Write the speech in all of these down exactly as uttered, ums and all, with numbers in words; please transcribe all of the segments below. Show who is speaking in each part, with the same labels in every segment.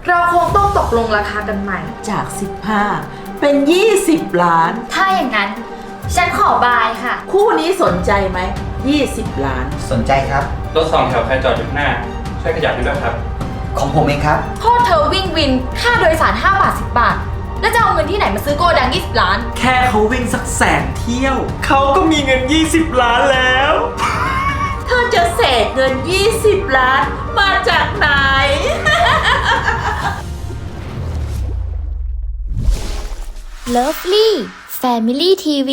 Speaker 1: เราคงต้องตกลงราคากันใหม่
Speaker 2: จากสิบห้าเป็นยี่สิบล้าน
Speaker 1: ถ้าอย่างนั้น ฉันขอบายค่ะ
Speaker 2: คู่นี้สนใจไหมยี่สิบล้าน
Speaker 3: สนใจครับ
Speaker 4: รถสองแถวใครจอดอยู่ข้างหน้า ช่วยขยับให้ด้วยครับ
Speaker 3: ของผมเองครับ
Speaker 1: พ่อเธอวิ่งวินค่าโดยสารห้าบาทสิบบาท แล้วจะเอาเงินที่ไหนมาซื้อโกดังยี่สิบล้าน
Speaker 5: แค่เขาวิ่งสักแสนเที่ยว เขาก็มีเงินยี่สิบล้านแล้ว
Speaker 2: เธอจะเสกเงินยี่สิบล้านมาจากไหน
Speaker 6: Lovely Family ที วี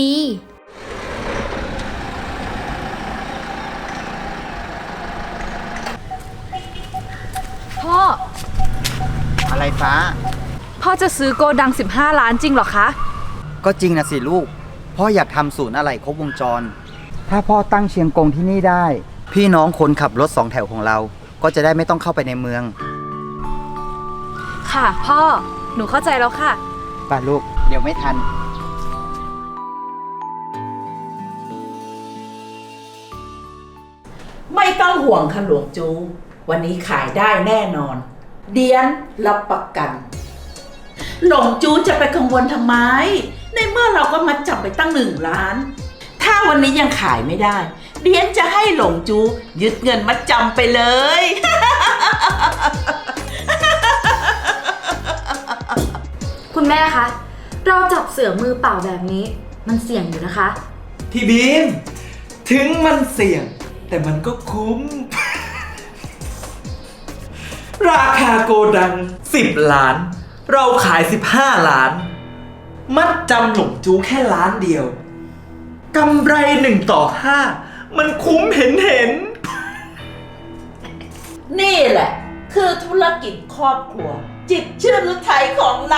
Speaker 1: พ่อ
Speaker 3: อะไรฟ้า
Speaker 1: พ่อจะซื้อโกดังสิบห้าล้านจริงเหรอคะ
Speaker 3: ก็จริงนะสิลูก พ่ออยากทำศูนย์อะไหล่ครบวงจร ถ้าพ่อตั้งเชียงกงที่นี่ได้ พี่น้องคนขับรถสองแถวของเรา ก็จะได้ไม่ต้องเข้าไปในเมือง
Speaker 1: ค่ะพ่อ หนูเข้าใจแล้วค่ะ
Speaker 3: ป่ะลูก เดี๋ยวไม่ทัน
Speaker 2: ไม่ต้องห่วงค่ะหลวงจู วันนี้ขายได้แน่นอน เดียนรับประกัน หลวงจูจะไปกังวลทำไม ในเมื่อเราก็มาจับไปตั้งหนึ่งล้าน ถ้าวันนี้ยังขายไม่ได้ เดียนจะให้หลวงจูยึดเงินมาจำไปเลย
Speaker 1: คุณแม่คะ เราจับเสือมือเปล่าแบบนี้ มันเสี่ยงอยู่นะคะ
Speaker 5: พี่บีม ถึงมันเสี่ยง แต่มันก็คุ้ม ราคาโกดังสิบล้าน เราขายสิบห้าล้าน มัดจำหลงจูแค่ล้านเดียวกำไรหนึ่งต่อห้ามันคุ้มเห็นเห็น
Speaker 2: นี่แหละ คือธุรกิจครอบครัว จิตชื่นฤทัยของเรา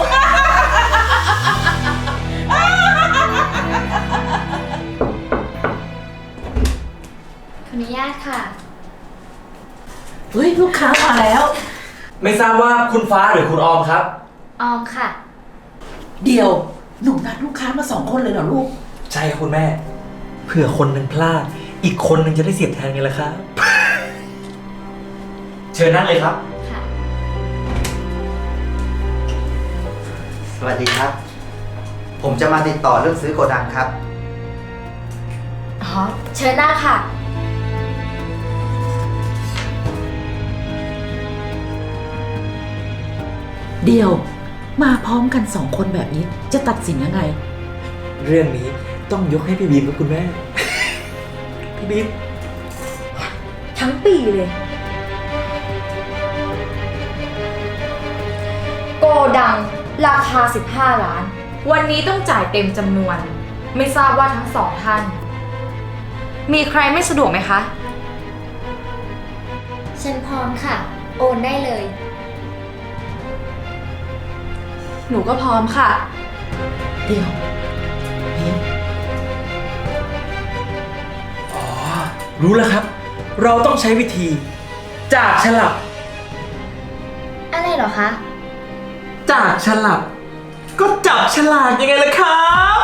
Speaker 6: ขออนุญาตค่ะ
Speaker 2: เฮ้ย ลูกค้ามาแล้ว
Speaker 5: ไม่ทราบว่าคุณฟ้าหรือคุณออมครับ
Speaker 6: ออมค่ะ
Speaker 2: เดี๋ยว หนูนัดลูกค้ามาสองคนเลยเหรอลูก
Speaker 5: ใช่ครับคุณแม่ เผื่อคนหนึ่งพลาด อีกคนหนึ่งจะได้เสียบแทนไงล่ะครับ เชิญนั่งเลยครับ
Speaker 6: ค่ะ
Speaker 3: สวัสดีครับ ผมจะมาติดต่อเรื่องซื้อโกดังครับ
Speaker 1: อ๋อ เชิญหน้าค่ะ
Speaker 2: เดี๋ยว มาพร้อมกันสองคนแบบนี้ จะตัดสินยังไง
Speaker 5: เรื่องนี้ต้องยกให้พี่บีมกับคุณแม่ พี่บีม
Speaker 1: ทั้งปีเลย โกดังราคาสิบห้าล้าน วันนี้ต้องจ่ายเต็มจำนวน ไม่ทราบว่าทั้งสองท่าน มีใครไม่สะดวกไหมคะ
Speaker 6: ฉันพร้อมค่ะ โอนได้เลย
Speaker 1: หนูก็พร้อมค่ะ
Speaker 2: เดี๋ยวบีม
Speaker 5: อ๋อ รู้แล้วครับ เราต้องใช้วิธี จากฉลับ
Speaker 6: อะไรเหรอคะ
Speaker 5: จากฉลับ ก็จับฉลากยังไงล่ะครับ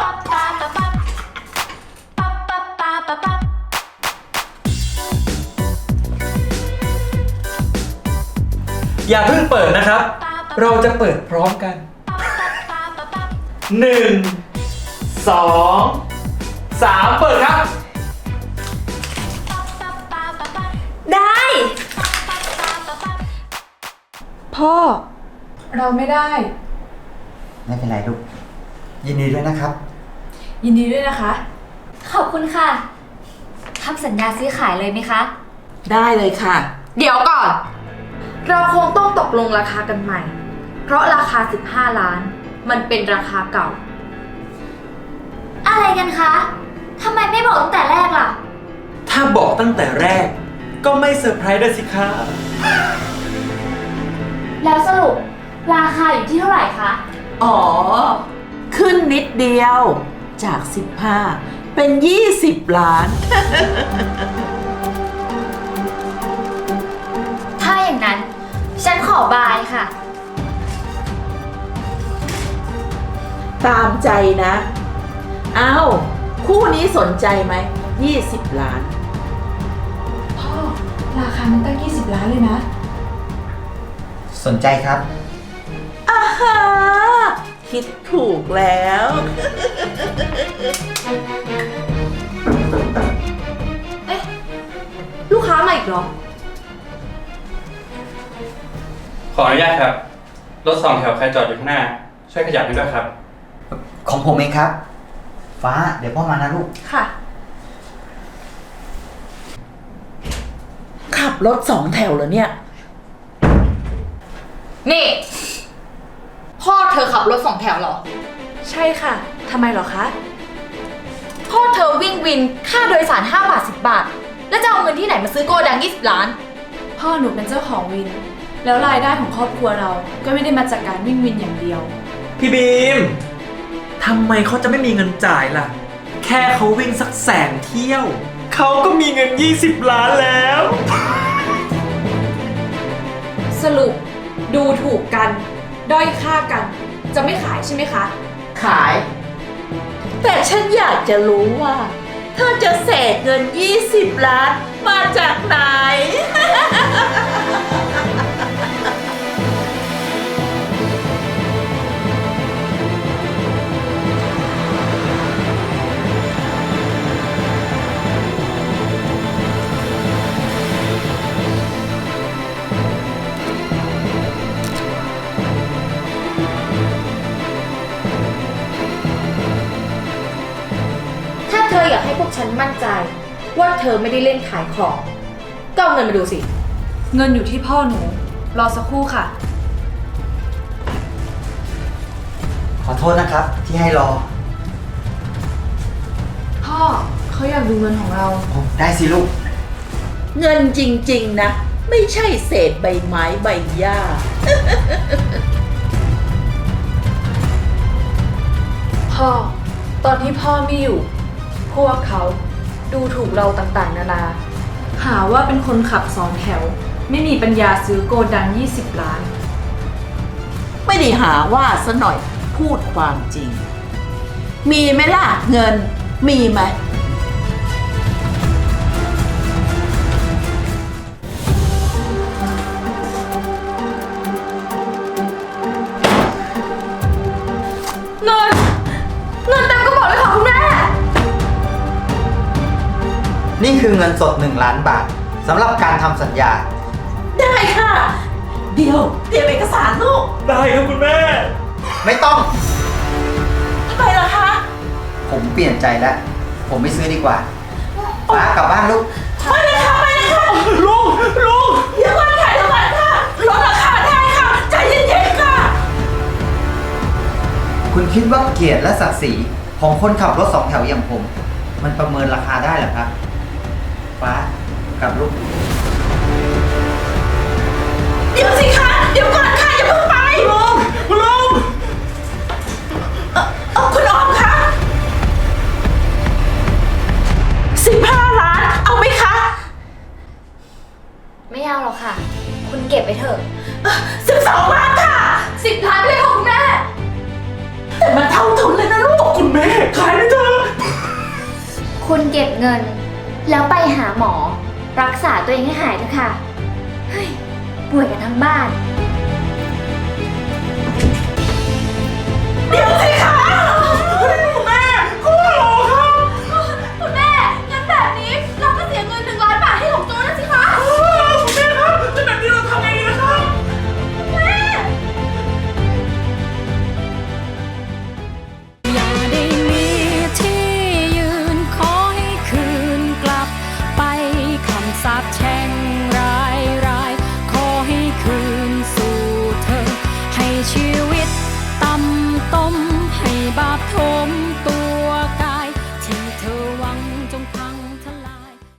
Speaker 5: อย่าเพิ่งเปิดนะครับ เราจะเปิดพร้อมกัน หนึ่ง สอง สาม เปิดครับ
Speaker 1: ได้ พ่อ เราไม่ได้
Speaker 3: ไม่เป็นไรลูก ยินดีด้วยนะครับ
Speaker 1: ยินดีด้วยนะคะ
Speaker 6: ขอบคุณค่ะ ทำสัญญาซื้อขายเลยไหมคะ
Speaker 2: ได้เลยค่ะ
Speaker 1: เดี๋ยวก่อน เราคงต้องตกลงราคากันใหม่ เพราะราคาสิบห้าล้าน มันเป็นราคาเก่า
Speaker 6: อะไรกันคะ ทำไมไม่บอกตั้งแต่แรกล่ะ
Speaker 5: ถ้าบอกตั้งแต่แรก ก็ไม่เซอร์ไพรส์ด้วยสิครับ
Speaker 6: แล้วสรุปราคาอยู่ที่เท่าไหร่คะ
Speaker 2: อ๋อ ขึ้นนิดเดียว จากสิบห้าเป็นยี่สิบล้าน
Speaker 6: ถ้าอย่างนั้น ฉันขอบายค่ะ
Speaker 2: ตามใจนะ อ้าว คู่นี้สนใจไหมยี่สิบล้าน
Speaker 1: พ่อ ราคามันตั้งยี่สิบล้านเลยนะ
Speaker 3: สนใจครับ
Speaker 2: อาฮาคิดถูกแล้ว
Speaker 1: เอ๊ะ ลูกค้ามาอีกเหรอ
Speaker 4: ขออนุญาตครับ รถสองแถวใครจอดอยู่ข้างหน้า ช่วยขยับให้ด้วยครับ
Speaker 3: ของผมเองครับ ฟ้า เดี๋ยวพ่อมานะลูก
Speaker 1: ค่ะ
Speaker 2: ขับรถสองแถวเหรอเนี่ย
Speaker 1: นี่ พ่อเธอขับรถสองแถวเหรอ
Speaker 7: ใช่ค่ะ ทำไมเหรอคะ
Speaker 1: พ่อเธอวิ่งวินค่าโดยสารห้าบาทสิบบาท แล้วจะเอาเงินที่ไหนมาซื้อโกดังยี่สิบล้าน
Speaker 7: พ่อหนูเป็นเจ้าของวิน แล้วรายได้ของครอบครัวเราก็ไม่ได้มาจากการวิ่งวินอย่างเดียว
Speaker 5: พี่บีม ทำไมเขาจะไม่มีเงินจ่ายล่ะ แค่เขาวิ่งสักแสนเที่ยว เขาก็มีเงิน ยี่สิบ ล้านแล้ว
Speaker 7: สรุปดูถูกกัน ด้อยค่ากัน จะไม่ขายใช่ไหมคะ
Speaker 2: ขาย แต่ฉันอยากจะรู้ว่าเธอจะเสกเงิน ยี่สิบ ล้านมาจากไหน
Speaker 1: ถ้าเธออยากให้พวกฉันมั่นใจ ว่าเธอไม่ได้เล่นขายของ ก็เอาเงินมาดูสิ
Speaker 7: เงินอยู่ที่พ่อหนู รอสักครู่ค่ะ
Speaker 3: ขอโทษนะครับ ที่ให้รอ
Speaker 7: พ่อเขาอยากดูเงินของเรา
Speaker 3: โอ้ได้สิลูก
Speaker 2: เงินจริงๆนะ ไม่ใช่เศษใบไม้ใบหญ้า
Speaker 7: พ่อ ตอนที่พ่อไม่อยู่ พวกเขาดูถูกเราต่างๆ นานา หาว่าเป็นคนขับสองแถว ไม่มีปัญญาซื้อโกดัง ยี่สิบ ล้าน
Speaker 2: ไม่ได้หาว่าซะหน่อยพูดความจริง มีไหมล่ะเงินมีไหม
Speaker 1: เงิน เงินเต็มกระเป๋าเลยค่ะคุณแม่
Speaker 3: นี่คือเงินสดหนึ่งล้านบาทสำหรับการทำสัญญา
Speaker 2: ได้ค่ะ เดี๋ยวเตรียมเอกสารลูก
Speaker 5: ได้ครับคุณแม่
Speaker 3: ไม่ต้อง
Speaker 2: ทำไมล่ะคะ
Speaker 3: ผมเปลี่ยนใจแล้ว ผมไม่ซื้อดีกว่า ฟ้ากลับบ้านลูก
Speaker 2: ไม่เลยค่ะไม่เลยค่ะ
Speaker 5: ลุง ลุง
Speaker 2: เดี๋ยวก่อนค่ะเดี๋ยวก่อนค่ะลดราคาได้ค่ะใจเย็นๆค่ะ
Speaker 3: คุณคิดว่าเกียรติและศักดิ์ศรีของคนขับรถสองแถวอย่างผม มันประเมินราคาได้เหรอครับ ฟ้ากลับลูก
Speaker 2: เดี๋ยวสิคะเดี๋ยวก่อนค่ะอย่าเพิ่งไปลุง
Speaker 5: ลุง
Speaker 2: เอ่อเอ่อคุณออมคะสิบห้าล้านเอาไหมคะ
Speaker 6: ไม่เอาหรอกค่ะ คุณเก็บไว้เถอะ
Speaker 2: สิบสองล้านค่ะ
Speaker 1: สิบล้านเลยค่ะคุณแม่
Speaker 2: แต่มันเท่าทุนเลยนะลูก
Speaker 5: คุณแม่ ขายได้เถอะ
Speaker 6: คุณเก็บเงิน แล้วไปหาหมอ รักษาตัวเองให้หายเถอะค่ะ เฮ้ย ป่วยกันทั้งบ้าน